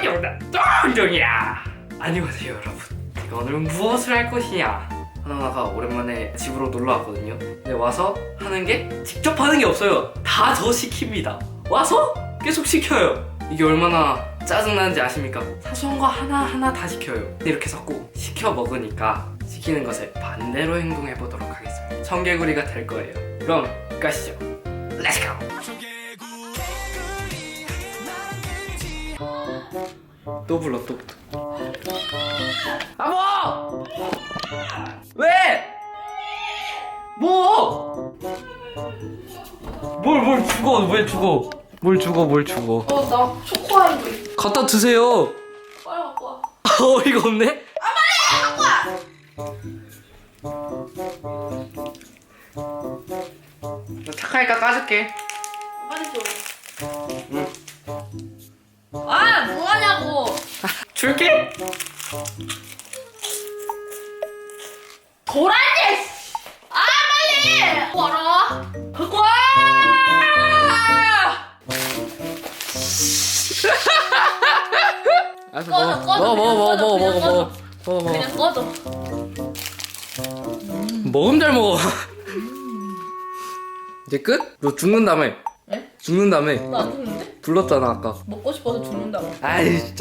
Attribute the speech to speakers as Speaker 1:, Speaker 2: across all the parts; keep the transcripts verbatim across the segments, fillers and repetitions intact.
Speaker 1: 정답 똥종이야. 안녕하세요 여러분. 제가 오늘은 무엇을 할 것이냐. 하나하나가 오랜만에 집으로 놀러 왔거든요. 근데 와서 하는 게 직접 하는 게 없어요. 다 저 시킵니다. 와서 계속 시켜요. 이게 얼마나 짜증나는지 아십니까? 사소한 거 하나하나 다 시켜요. 근데 이렇게 자꾸 시켜 먹으니까 시키는 것에 반대로 행동해 보도록 하겠습니다. 청개구리가 될 거예요. 그럼 가시죠. 렛츠고! 또 불러 또 아 뭐! 왜? 뭐? 뭘 뭘 죽어 왜 죽어 뭘 죽어 뭘 죽어
Speaker 2: 어, 나 초코아이스.
Speaker 1: 갖다 드세요.
Speaker 2: 빨리 갖고 와.
Speaker 1: 어이가 없네?
Speaker 2: 아, 빨리 갖고 와!
Speaker 1: 너 착하니까 까줄게.
Speaker 2: 빨리 줘.
Speaker 1: 응.
Speaker 2: 아, 뭐하냐고.
Speaker 1: 줄게.
Speaker 2: 도라지! 아, 빨리! 와라. 갖고 와!
Speaker 1: 알았어
Speaker 2: 꺼져, 꺼져,
Speaker 1: 먹어 먹어 먹어
Speaker 2: 그냥
Speaker 1: 먹어
Speaker 2: 꺼져,
Speaker 1: 먹어 먹어 먹어
Speaker 2: 그냥 꺼져.
Speaker 1: 먹으면 잘 먹어. 이제 끝? 너 죽는다며.
Speaker 2: 네?
Speaker 1: 죽는다며.
Speaker 2: 나 안 죽는데?
Speaker 1: 불렀잖아 아까.
Speaker 2: 먹고 싶어서 죽는다고.
Speaker 1: 아이 진짜.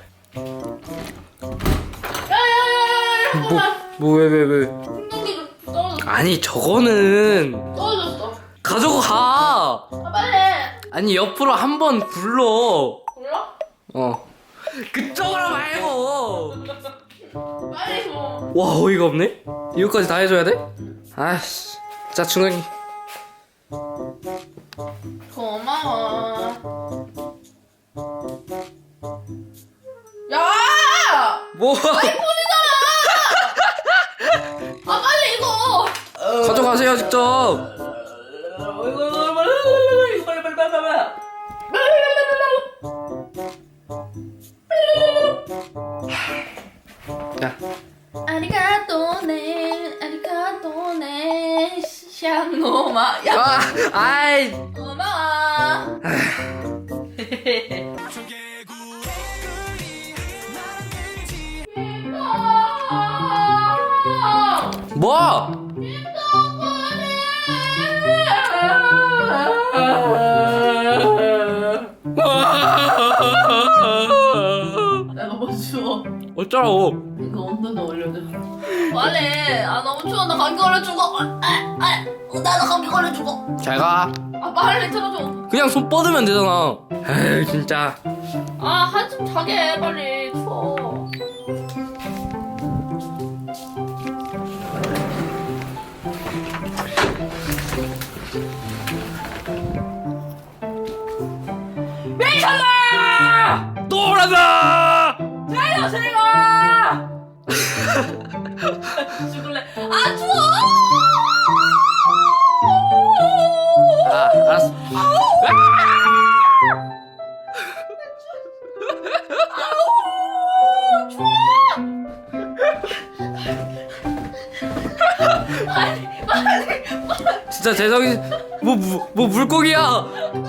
Speaker 2: 야야야야야!
Speaker 1: 뭐
Speaker 2: 잠깐만.
Speaker 1: 뭐 왜 왜 왜?
Speaker 2: 충전기 좀 떨어졌어.
Speaker 1: 아니 저거는
Speaker 2: 떨어졌어.
Speaker 1: 가져가.
Speaker 2: 아, 빨리.
Speaker 1: 아니 옆으로 한 번 굴러.
Speaker 2: 몰라?
Speaker 1: 어. 그쪽으로 말고.
Speaker 2: 빨리 줘.
Speaker 1: 와 어이가 없네. 이거까지 다 해줘야 돼? 아씨. 자 충전기.
Speaker 2: 고마워. 야!
Speaker 1: 뭐?
Speaker 2: 아, 빨리 이거.
Speaker 1: 가져가세요 직접.
Speaker 2: 이거 이거 빨리 빨리 빨리 빨리 빨리.
Speaker 1: 야.
Speaker 2: 아리가또네 아리가또네 샹노마 야
Speaker 1: 아, 아이.
Speaker 2: 고마워.
Speaker 1: 뭐?
Speaker 2: 나 너무 추워.
Speaker 1: 어쩌라고?
Speaker 2: 이거 온도는 올려줘. 빨리. 아 너무 추워. 나 감기 걸려 죽어. 아, 아, 아, 나도 감기 걸려 죽어.
Speaker 1: 잘 가.
Speaker 2: 아 빨리 틀어줘.
Speaker 1: 그냥 손 뻗으면 되잖아. 에이 진짜.
Speaker 2: 아 한숨 자게 빨리 추워.
Speaker 1: 미쳤나! 또 오란다!
Speaker 2: 잘가 잘가. 죽을래. 아 추워.
Speaker 1: 아 알았어.
Speaker 2: 아우 추워. 빨리 빨리 빨리.
Speaker 1: 진짜 재정이 뭐, 뭐, 뭐 물고기야.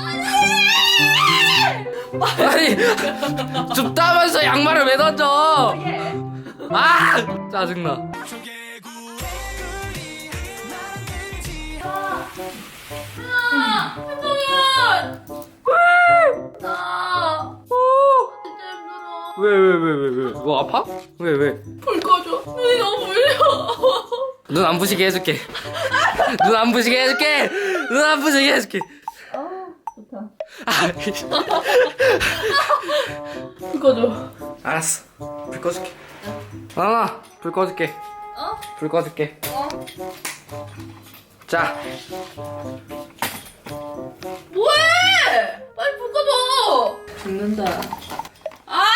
Speaker 1: 아니 좀 따면서 양말을 왜 던져. 아 짜증나.
Speaker 2: 아, 한동현! 나 진짜 힘들어.
Speaker 1: 왜 왜 왜 왜 왜? 뭐 아파? 왜 왜?
Speaker 2: 불 꺼줘. 눈이 너무 울려.
Speaker 1: 눈 안 부시게 해줄게. 눈 안 부시게 해줄게. 눈 안 부시게 해줄게.
Speaker 2: 아, 좋다.
Speaker 1: 아,
Speaker 2: 불 꺼줘.
Speaker 1: 알았어. 불 꺼줄게. 나나 불 꺼줄게.
Speaker 2: 어?
Speaker 1: 불 꺼줄게.
Speaker 2: 어?
Speaker 1: 자.
Speaker 2: 뭐해? 빨리 불 꺼줘. 죽는다. 아!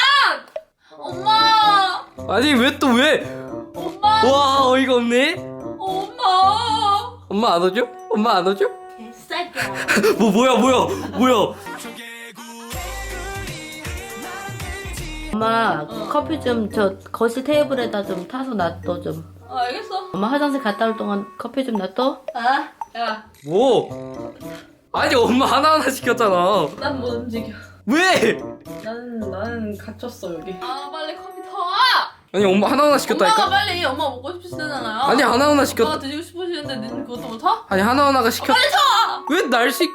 Speaker 2: 엄마!
Speaker 1: 아니 왜 또 왜?
Speaker 2: 엄마!
Speaker 1: 와 어이가 없네.
Speaker 2: 엄마!
Speaker 1: 엄마 안 오죠? 엄마 안 오죠?
Speaker 2: 개새끼야.
Speaker 1: 뭐 뭐야 뭐야 뭐야?
Speaker 3: 엄마
Speaker 2: 어.
Speaker 3: 커피 좀 저 거실 테이블에다 좀 타서 놔둬 좀.
Speaker 2: 아, 알겠어.
Speaker 3: 엄마 화장실 갔다 올 동안 커피 좀 놔둬.
Speaker 2: 아, 야,
Speaker 1: 뭐? 아니 엄마 하나하나 시켰잖아.
Speaker 2: 난 못 움직여.
Speaker 1: 왜?
Speaker 4: 나는 나는 갇혔어 여기.
Speaker 2: 아 빨리 컴퓨터.
Speaker 1: 아니 엄마 하나하나
Speaker 2: 엄마가
Speaker 1: 시켰다니까?
Speaker 2: 빨리 엄마 먹고 싶으시잖아요.
Speaker 1: 아니 하나하나 시켰
Speaker 2: 엄마가 드시고 싶으시는데 니는 그것도 못 하?
Speaker 1: 아니 하나하나가 시켰
Speaker 2: 빨리 쳐!
Speaker 1: 왜 날 시켜?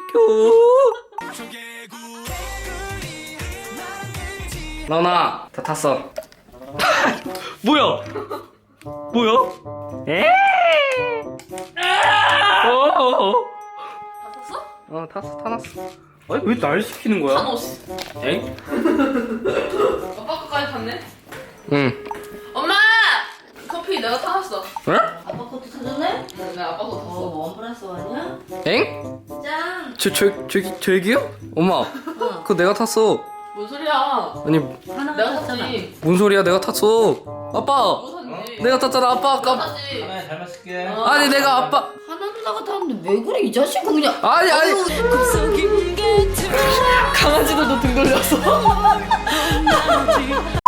Speaker 1: 나훈아 다 탔어. 뭐야? 뭐야? 에? 어?
Speaker 2: 다 샀어?
Speaker 1: 어 탔어 타놨어. 아니 왜 날 시키는 거야?
Speaker 2: 타노스.
Speaker 1: 엥?
Speaker 2: 아빠 거까지 탔네?
Speaker 1: 응.
Speaker 2: 엄마! 커피 내가 타놨어.
Speaker 1: 응?
Speaker 3: 아빠 것도 사줬네?
Speaker 2: 응, 내가 아빠 거
Speaker 3: 어,
Speaker 2: 탔어.
Speaker 3: 원 플러스 원이야?
Speaker 1: 엥?
Speaker 3: 짠!
Speaker 1: 저, 저, 저기, 저기요? 엄마
Speaker 3: 응.
Speaker 1: 그거 내가 탔어.
Speaker 2: 뭔 소리야?
Speaker 1: 아니
Speaker 3: 하나만
Speaker 2: 내가
Speaker 3: 샀잖아.
Speaker 2: 탔지.
Speaker 1: 뭔 소리야 내가 탔어. 아빠
Speaker 2: 뭐 샀지?
Speaker 1: 내가 탔잖아 아빠
Speaker 2: 내가
Speaker 1: 아까.
Speaker 2: 탔지.
Speaker 5: 네, 잘 마실게.
Speaker 2: 어.
Speaker 1: 아니 내가 아빠
Speaker 3: 하나 누나가 탔는데 왜 그래 이 자식은 그냥.
Speaker 1: 아니 아니 강아지도 너 등 돌렸어.